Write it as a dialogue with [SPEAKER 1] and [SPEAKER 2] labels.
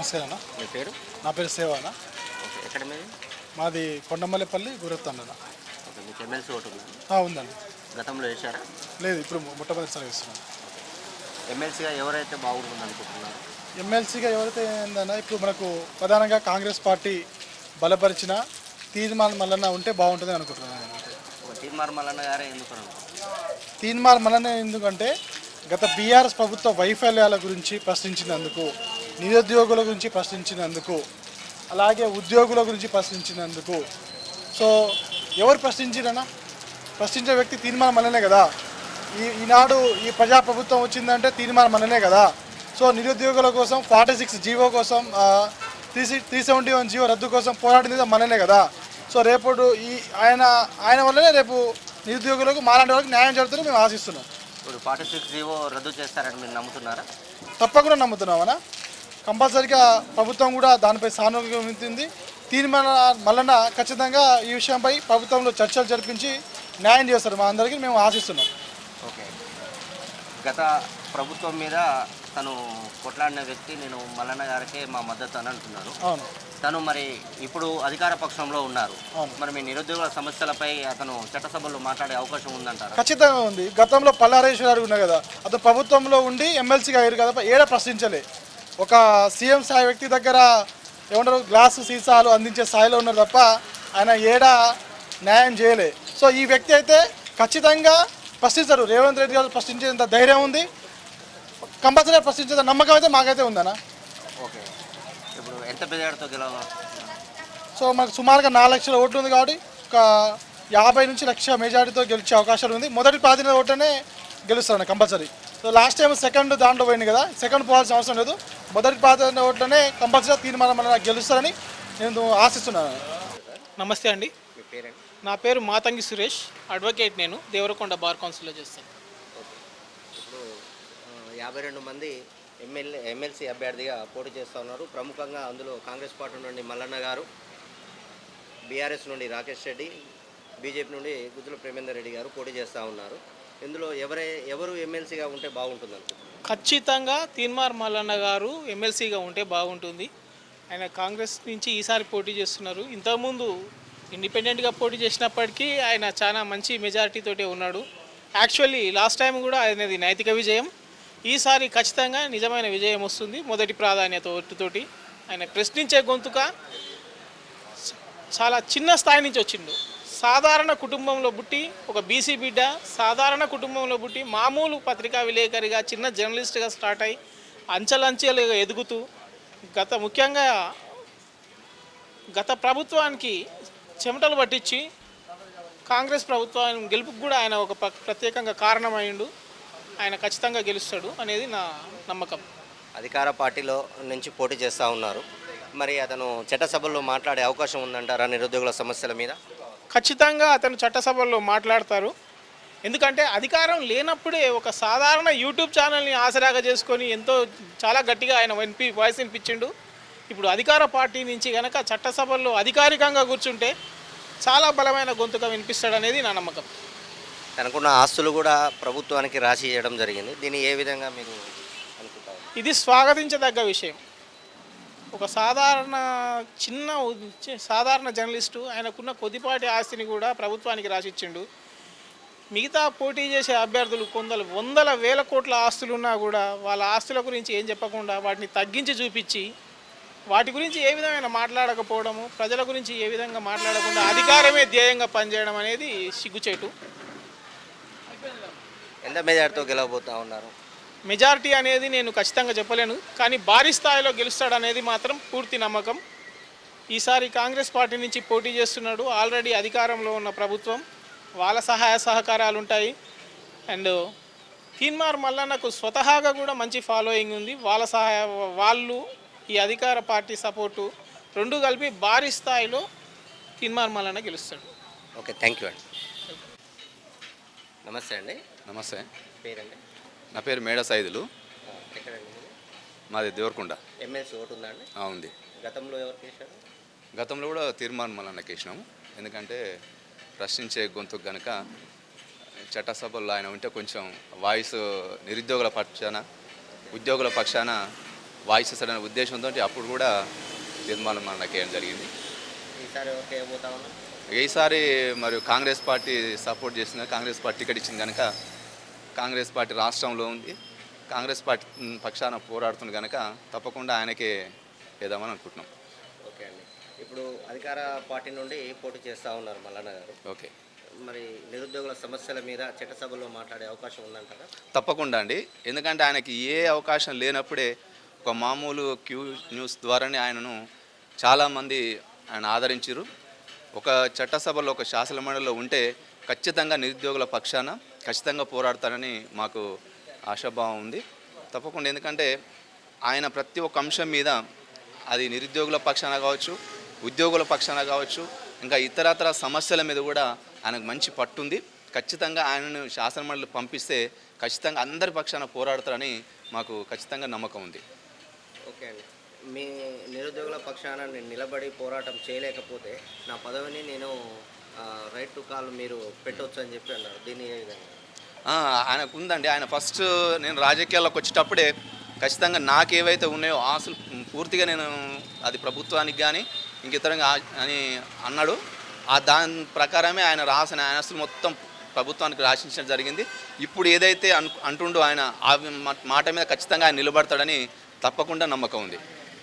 [SPEAKER 1] నమస్తే అన్న.
[SPEAKER 2] మీ పేరు?
[SPEAKER 1] నా పేరు సేవ అన్న.
[SPEAKER 2] ఓకే. ఎక్కడ మీది?
[SPEAKER 1] మాది కొండమల్లిపల్లి గురత్తండ అన్న.
[SPEAKER 2] ఓకే. మీకు ఎమ్మెల్సీ ఓటు ఉందా?
[SPEAKER 1] ఉందండి.
[SPEAKER 2] గతంలో వేశారా?
[SPEAKER 1] లేదు, ఇప్పుడు మొట్టమొదటిసారి ఇస్తున్నాను.
[SPEAKER 2] ఎమ్మెల్సీగా ఎవరైతే బాగుంటుంది అనుకుంటున్నారు?
[SPEAKER 1] ఎమ్మెల్సీగా ఎవరైతే ఏందన్నా, ఇప్పుడు మనకు ప్రధానంగా కాంగ్రెస్ పార్టీ బలపరిచిన తీర్మాన్ మల్లన్న ఉంటే బాగుంటుంది అనుకుంటున్నాను.
[SPEAKER 2] ఒక తీర్మార్ మల్లన్న గారే ఎందుకు
[SPEAKER 1] తీర్మాన్ మల్లన్న ఎందుకంటే గత బీఆర్ఎస్ ప్రభుత్వ వైఫల్యాల గురించి ప్రశ్నించినందుకు, నిరుద్యోగుల గురించి ప్రశ్నించినందుకు, అలాగే ఉద్యోగుల గురించి ప్రశ్నించినందుకు. సో ఎవరు ప్రశ్నించిరన్నా? ప్రశ్నించే వ్యక్తి తీర్మానం మననే కదా. ఈనాడు ఈ ప్రజాప్రభుత్వం వచ్చిందంటే తీర్మానం మననే కదా. సో నిరుద్యోగుల కోసం 46 జీవో కోసం, 371 జీవో రద్దు కోసం పోరాడింది మననే కదా. సో రేపు ఆయన వల్లనే రేపు నిరుద్యోగులకు మాలాంటి వాళ్ళకి న్యాయం జరుగుతుందని మేము ఆశిస్తున్నాం.
[SPEAKER 2] ఇప్పుడు 46 జీవో రద్దు చేస్తారని మీరు నమ్ముతున్నారా?
[SPEAKER 1] తప్పకుండా నమ్ముతున్నామన్నా. కంపల్సరీగా ప్రభుత్వం కూడా దానిపై సానుకూలంగా ఉంటుంది. మళ్ళీ ఖచ్చితంగా ఈ విషయంపై ప్రభుత్వంలో చర్చలు జరిపించి న్యాయం చేస్తారు మా అందరికీ మేము ఆశిస్తున్నాం.
[SPEAKER 2] ఓకే. గత ప్రభుత్వం మీద తను కొట్లాడిన వ్యక్తి నేను మల్లన్న గారికే మా మద్దతు అని అంటున్నారు.
[SPEAKER 1] అవును.
[SPEAKER 2] తను మరి ఇప్పుడు అధికార పక్షంలో ఉన్నారు. మరి మీ నిరుద్యోగుల సమస్యలపై అతను చట్టసభలో మాట్లాడే అవకాశం ఉందంటారా?
[SPEAKER 1] ఖచ్చితంగా ఉంది. గతంలో పల్లారేశ్వర ఉన్నాయి కదా, అతను ప్రభుత్వంలో ఉండి ఎమ్మెల్సీగా అయ్యారు కదా, ఏడా ప్రశ్నించలే. ఒక సీఎం స్థాయి వ్యక్తి దగ్గర ఏమంటారు, గ్లాసు సీసాలు అందించే స్థాయిలో ఉన్నారు తప్ప ఆయన ఏడా న్యాయం చేయలే. సో ఈ వ్యక్తి అయితే ఖచ్చితంగా ప్రశ్నిస్తారు. రేవంత్ రెడ్డి గారు ప్రశ్నించేంత ధైర్యం ఉంది, కంపల్సరీ ప్రశ్నించేంత నమ్మకం అయితే మాకైతే ఉందన్న.
[SPEAKER 2] ఓకే. ఇప్పుడు ఎంత మెజార్టీతో గెలవాలి?
[SPEAKER 1] సో మనకు సుమారుగా 4 లక్షల ఓట్లు ఉంది కాబట్టి ఒక 50 నుంచి 1,00,000 మెజార్టీతో గెలిచే అవకాశాలు ఉంది. మొదటి ప్రాధాన్యత ఓటనే గెలుస్తాను compulsory. So last time second దాంట్లో పోయింది కదా, సెకండ్ పోవాల్సిన అవసరం లేదు. మొదటి ప్రాధాన్యత ఓట్లనే కంపల్సరీ తీర్మానం గెలుస్తారని నేను ఆశిస్తున్నాను.
[SPEAKER 3] నమస్తే అండి.
[SPEAKER 2] మీ పేరేంటి?
[SPEAKER 3] నా పేరు మాతంగి సురేష్, అడ్వకేట్. నేను దేవరకొండ బార్ కౌన్సిల్లో చేస్తాను.
[SPEAKER 2] ఓకే. ఇప్పుడు 52 మంది ఎమ్మెల్సీ అభ్యర్థిగా పోటీ చేస్తూ ఉన్నారు. ప్రముఖంగా అందులో కాంగ్రెస్ పార్టీ నుండి మల్లన్న గారు, బీఆర్ఎస్ నుండి రాకేష్ రెడ్డి, బీజేపీ నుండి గుజ్జుల ప్రేమేందర్ రెడ్డి గారు పోటీ చేస్తూ ఉన్నారు. ఇందులో ఎవరు ఎమ్మెల్సీగా ఉంటే బాగుంటుంది అనుకుంటున్నారు?
[SPEAKER 3] ఖచ్చితంగా తీన్మార్ మల్లన్న గారు ఎమ్మెల్సీగా ఉంటే బాగుంటుంది. ఆయన కాంగ్రెస్ నుంచి ఈసారి పోటీ చేస్తున్నారు. ఇంతకుముందు ఇండిపెండెంట్గా పోటీ చేసినప్పటికీ ఆయన చాలా మంచి మెజారిటీతోటే ఉన్నాడు. యాక్చువల్లీ లాస్ట్ టైం కూడా ఆయనది నైతిక విజయం. ఈసారి ఖచ్చితంగా నిజమైన విజయం వస్తుంది. మొదటి ప్రాధాన్యత ఓటుతోటి. ఆయన ప్రశ్నించే గొంతుక చాలా చిన్న స్థాయి నుంచి వచ్చిండు. సాధారణ కుటుంబంలో పుట్టి, ఒక బీసీ బిడ్డ, సాధారణ కుటుంబంలో పుట్టి మామూలు పత్రికా విలేకరిగా, చిన్న జర్నలిస్ట్గా స్టార్ట్ అయ్యి అంచెలంచెలుగా ఎదుగుతూ ముఖ్యంగా గత ప్రభుత్వానికి చెమటలు పట్టించి కాంగ్రెస్ ప్రభుత్వం గెలుపుకు కూడా ఆయన ఒక ప్రత్యేకంగా కారణమైండు. ఆయన ఖచ్చితంగా గెలుస్తాడు అనేది నా నమ్మకం.
[SPEAKER 2] అధికార పార్టీలో నుంచి పోటీ చేస్తూ ఉన్నారు. మరి అతను చట్టసభల్లో మాట్లాడే అవకాశం ఉందంటారా నిరుద్యోగుల సమస్యల మీద?
[SPEAKER 3] ఖచ్చితంగా అతను చట్టసభల్లో మాట్లాడతారు. ఎందుకంటే అధికారం లేనప్పుడే ఒక సాధారణ యూట్యూబ్ ఛానల్ని ఆసరాగా చేసుకొని చాలా గట్టిగా ఆయన వాయిస్ వినిపించిండు. ఇప్పుడు అధికార పార్టీ నుంచి కనుక చట్టసభల్లో అధికారికంగా కూర్చుంటే చాలా బలమైన గొంతుగా వినిపిస్తాడనేది నా నమ్మకం.
[SPEAKER 2] తనకున్న ఆస్తులు కూడా ప్రభుత్వానికి రాసి ఇవ్వడం జరిగింది. దీన్ని ఏ విధంగా మీరు అనుకుంటారు?
[SPEAKER 3] ఇది స్వాగతించదగ్గ విషయం. ఒక సాధారణ జర్నలిస్టు ఆయనకున్న కొద్దిపాటి ఆస్తిని కూడా ప్రభుత్వానికి రాసిచ్చిండు. మిగతా పోటీ చేసే అభ్యర్థులు వందల వేల కోట్ల ఆస్తులున్నా కూడా వాళ్ళ ఆస్తుల గురించి ఏం చెప్పకుండా వాటిని తగ్గించి చూపించి వాటి గురించి ఏ విధమైన మాట్లాడకపోవడము, ప్రజల గురించి ఏ విధంగా మాట్లాడకుండా అధికారమే ధ్యేయంగా పనిచేయడం అనేది సిగ్గుచేటు.
[SPEAKER 2] ఎంత మెజార్టీతో గెలవబోతూ ఉన్నారు?
[SPEAKER 3] మెజారిటీ అనేది నేను ఖచ్చితంగా చెప్పలేను, కానీ భారీ స్థాయిలో గెలుస్తాడనేది మాత్రం పూర్తి నమ్మకం. ఈసారి కాంగ్రెస్ పార్టీ నుంచి పోటీ చేస్తున్నాడు. ఆల్రెడీ అధికారంలో ఉన్న ప్రభుత్వం, వాళ్ళ సహాయ సహకారాలు ఉంటాయి. అండ్ తీన్మార్ మల్లన్నకు స్వతహాగా కూడా మంచి ఫాలోయింగ్ ఉంది. వాళ్ళు ఈ అధికార పార్టీ సపోర్టు రెండు కలిపి భారీ స్థాయిలో తీన్మార్ మల్లన్న గెలుస్తాడు.
[SPEAKER 2] ఓకే, థ్యాంక్ యూ అండి. నమస్తే అండి.
[SPEAKER 4] నమస్తే.
[SPEAKER 2] పేరండి?
[SPEAKER 4] నా పేరు మేడ సైదులు.
[SPEAKER 2] ఎక్కడండి?
[SPEAKER 4] మాది దేవరకొండ.
[SPEAKER 2] ఎమ్మెల్సీ ఓటు ఉందా అండి?
[SPEAKER 4] ఉంది.
[SPEAKER 2] గతంలో ఎవరికి వేశారు?
[SPEAKER 4] గతంలో కూడా తీర్మానం మల్లన్నకి వేసినాము. ఎందుకంటే ప్రశ్నించే గొంతుకు కనుక చట్టసభల్లో ఆయన ఉంటే కొంచెం వాయిస్ నిరుద్యోగుల పక్షాన, ఉద్యోగుల పక్షాన వాయిస్ ఇస్తాడనే ఉద్దేశంతో అప్పుడు కూడా తీర్మానం మల్లన్నకి వేయడం జరిగింది.
[SPEAKER 2] ఈసారి ఎవరికి వేయబోతా ఉన్నా?
[SPEAKER 4] ఈసారి మరి కాంగ్రెస్ పార్టీ సపోర్ట్ చేసిన కాంగ్రెస్ పార్టీ టికెట్ ఇచ్చింది కనుక కాంగ్రెస్ పార్టీ రాష్ట్రంలో ఉంది, కాంగ్రెస్ పార్టీ పక్షాన పోరాడుతుంది కనుక తప్పకుండా ఆయనకే వేద్దామని అనుకుంటున్నాం.
[SPEAKER 2] ఓకే అండి. ఇప్పుడు అధికార పార్టీ నుండి పోటీ చేస్తూ ఉన్నారు మల్లన్న గారు.
[SPEAKER 4] ఓకే,
[SPEAKER 2] మరి నిరుద్యోగుల సమస్యల మీద చట్టసభలో మాట్లాడే అవకాశం ఉందంటారా?
[SPEAKER 4] తప్పకుండా అండి. ఎందుకంటే ఆయనకి ఏ అవకాశం లేనప్పుడే ఒక మామూలు క్యూ న్యూస్ ద్వారానే ఆయనను చాలామంది ఆయన ఆదరించారు. ఒక చట్టసభలో ఒక శాసనమండలిలో ఉంటే ఖచ్చితంగా నిరుద్యోగుల పక్షాన ఖచ్చితంగా పోరాడతారని మాకు ఆశాభావం ఉంది తప్పకుండా. ఎందుకంటే ఆయన ప్రతి ఒక్క అంశం మీద అది నిరుద్యోగుల పక్షాన కావచ్చు, ఉద్యోగుల పక్షాన కావచ్చు, ఇంకా ఇతరతర సమస్యల మీద కూడా ఆయనకు మంచి పట్టుంది. ఖచ్చితంగా ఆయనను శాసనమండలి పంపిస్తే ఖచ్చితంగా అందరి పక్షాన పోరాడతారని మాకు ఖచ్చితంగా నమ్మకం ఉంది.
[SPEAKER 2] ఓకే అండి. మీ నిరుద్యోగుల పక్షాన నేను నిలబడి పోరాటం చేయలేకపోతే నా పదవిని నేను రైట్ టు కాల్ మీరు పెట్టవచ్చు అని చెప్పి అన్నారు. దీన్ని ఏ విధంగా?
[SPEAKER 4] ఆయనకు ఉందండి. ఆయన ఫస్ట్ నేను రాజకీయాల్లోకి వచ్చేటప్పుడే ఖచ్చితంగా నాకేవైతే ఉన్నాయో ఆశలు పూర్తిగా నేను అది ప్రభుత్వానికి కానీ ఇంక ఇతరంగా అని అన్నాడు. దాని ప్రకారమే ఆయన రాసిన ఆస్తులు మొత్తం ప్రభుత్వానికి రాసించడం జరిగింది. ఇప్పుడు ఏదైతే అంటుండో ఆయన ఆ మాట మీద ఖచ్చితంగా ఆయన నిలబడతాడని తప్పకుండా నమ్మకం ఉంది.